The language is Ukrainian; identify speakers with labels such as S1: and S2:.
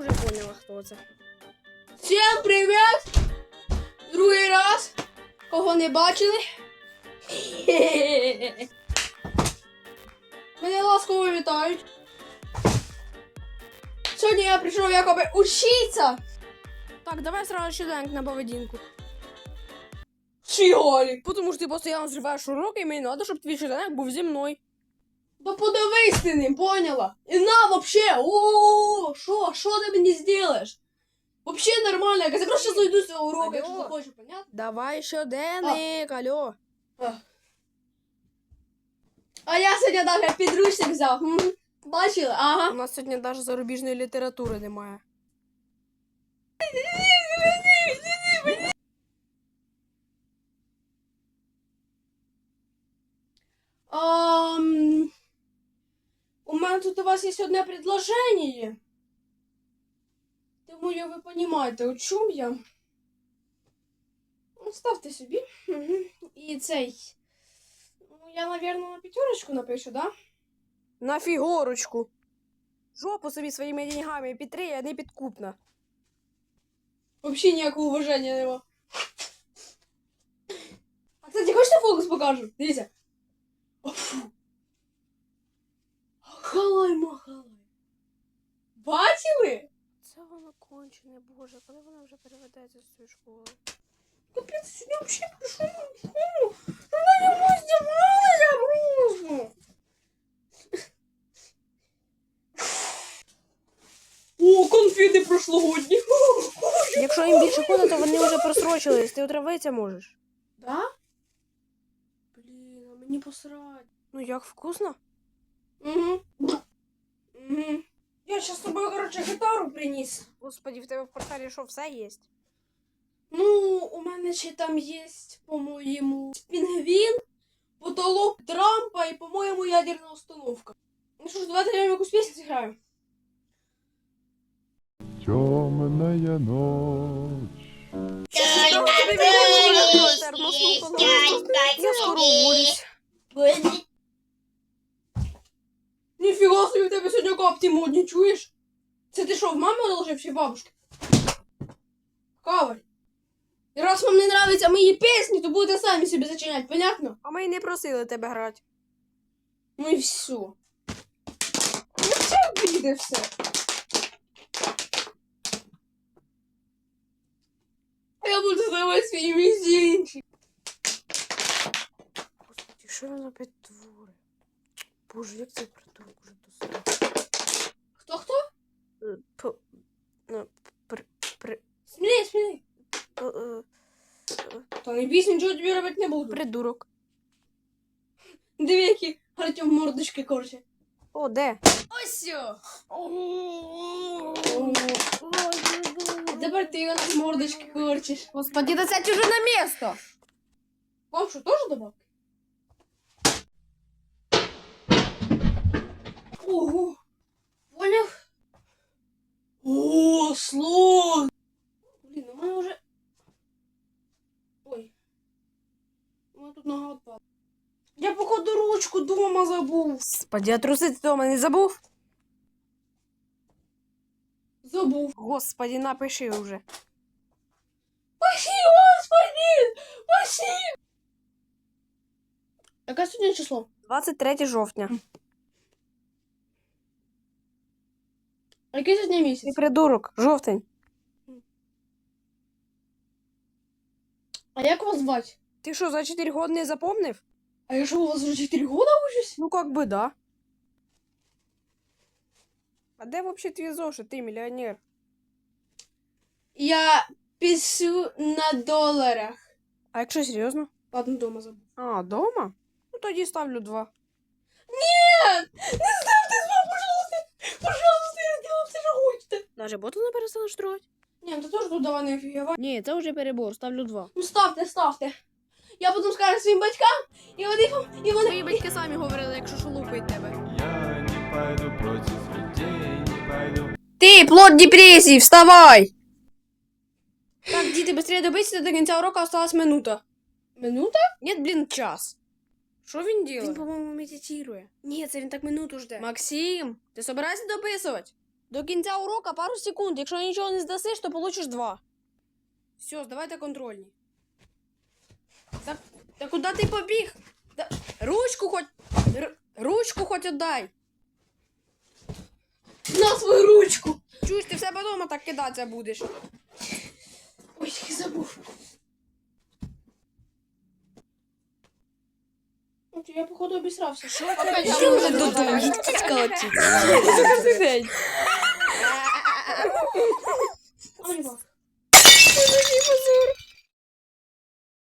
S1: уже поняла, хто це.
S2: Всім привіт! Другий раз. Кого не бачили? Мене ласково вітають. Сьогодні я прийшов якоби учиться.
S1: Так, давай сразу щоденник на поведінку.
S2: Чиголі.
S1: Тому що ти постійно зриваєш уроки, і мені треба, щоб твій щоденник був зі мною.
S2: Да подивись ти ним, поняла? І на вообще, о, що ти мені зробиш? Вообще нормально, я просто зайду з цього уроку, якщо
S1: Алло.
S2: захочу, понятно?
S1: Давай щоденник, алло.
S2: А я сьогодні навіть підручник взяв. Бачили?
S1: У
S2: Ага.
S1: нас сьогодні навіть зарубіжної літератури немає.
S2: У мене тут у вас є одне предложення. Думаю, ви розумієте, о чому я. Ну, ставте собі. І цей. Ну, я, мабуть, на п'ятерочку напишу, да?
S1: На фігурочку. Жопу собі своїми деньгами підтри, я не підкупна.
S2: Взагалі ніякого уваження нема. А, кстати, хочете фокус покажу? Дивіться. Махалай, махалай. Бачили?
S1: Це воно кончене, боже, коли вона вже переведеться з цієї школи?
S2: Капець, сьогодні взагалі прийшов в школу. Вона йому здівалася просто. О, конфети прошлогодні.
S1: Якщо їм більше ходу, то вони вже просрочились, ти отравитися можеш.
S2: Да? Блін, а мені посрать.
S1: Ну як, вкусно?
S2: Угу. Я зараз з тобою, коротше, гітару приніс.
S1: Господи, в тебе в портфелі що, все є?
S2: Ну, у мене ще там є, по-моєму, пінгвін, потолок Трампа і, по-моєму, ядерна установка. Ну що ж, давайте я якусь пісню зіграю.
S3: Темная ночь.
S1: Я скоро уволюсь.
S2: Ніфіга собі, в тебе сьогодні капці модні, чуєш? Це ти що, в мами одолжив чи в бабушки? Каваль. І раз вам не нравляться мої пісні, то будете самі собі зачиняти, понятно?
S1: А ми й не просили тебе грати.
S2: Ну і все. Ну це буде все. Я буду здавати свої мізинчики.
S1: Господи, що він опять творить? Боже, як цей придурок уже достав.
S2: Хто-хто?
S1: При...
S2: Смілей. Та не бійся, нічого тобі робити не буду.
S1: Придурок.
S2: Диви, які Артем мордочки корче.
S1: О, де?
S2: Ось сьо! Тепер ти у нас мордочки корчиш.
S1: Господи, да сядь уже на место!
S2: Вам що, теж добавки? Ого! Поняв? О, слон! Блін, у мене вже... Ой. У мене тут нога відпала. Я, походу, ручку дома забув.
S1: Господи, а трусити дома не забув?
S2: Забув.
S1: Господи, напиши уже.
S2: Спасибо, господин! Спасибо! Яке сьогодні число?
S1: 23 жовтня.
S2: А який сьогодні
S1: Ти
S2: місяць?
S1: придурок, жовтень.
S2: А як вас звати?
S1: Ти що, за 4 года не запомнив?
S2: А я що, у вас вже 4 года учусь?
S1: Ну, как бы да. А де вообще твій зошит, ти мільйонер?
S2: Я пишу на доларах.
S1: А якщо серйозно?
S2: Ладно, дома забув.
S1: А, дома? Ну тоді ставлю 2.
S2: Нет! Не ставте звук, пожалуйста! Пожалуйста, я сделал все, що хочете.
S1: Даже боту не перестанеш строїти?
S2: Ні, ну ти теж тут давай не офігівай.
S1: Ні, це вже перебор, ставлю 2.
S2: Ну ставте. Я потім скажу своїм батькам, і вони...
S1: Твої батьки самі говорили, якщо шолупить тебе.
S3: Я не пойду против людей, не пойду.
S1: Ти, плод депресії, вставай! Так, діти, быстрее добийся, до кінця уроку осталась минута.
S2: Минута?
S1: Ні, блін, час. Що він робить?
S2: Він,
S1: по-моєму, медитує. Ні, це він так минуту жде. Максим, ти собираєшся дописувати? До кінця урока пару секунд. Якщо нічого не здасиш, то получиш 2. Все, здавайте контрольні. Та куди ти побіг? Ручку хоч отдай.
S2: На свою ручку!
S1: Чуєш, ти в себе вдома так кидатися будеш.
S2: Ой, я забув. Я, походу, обісрався. Що?
S1: Ти вже додому, їдь скачі. Це кожен день.
S2: Ой,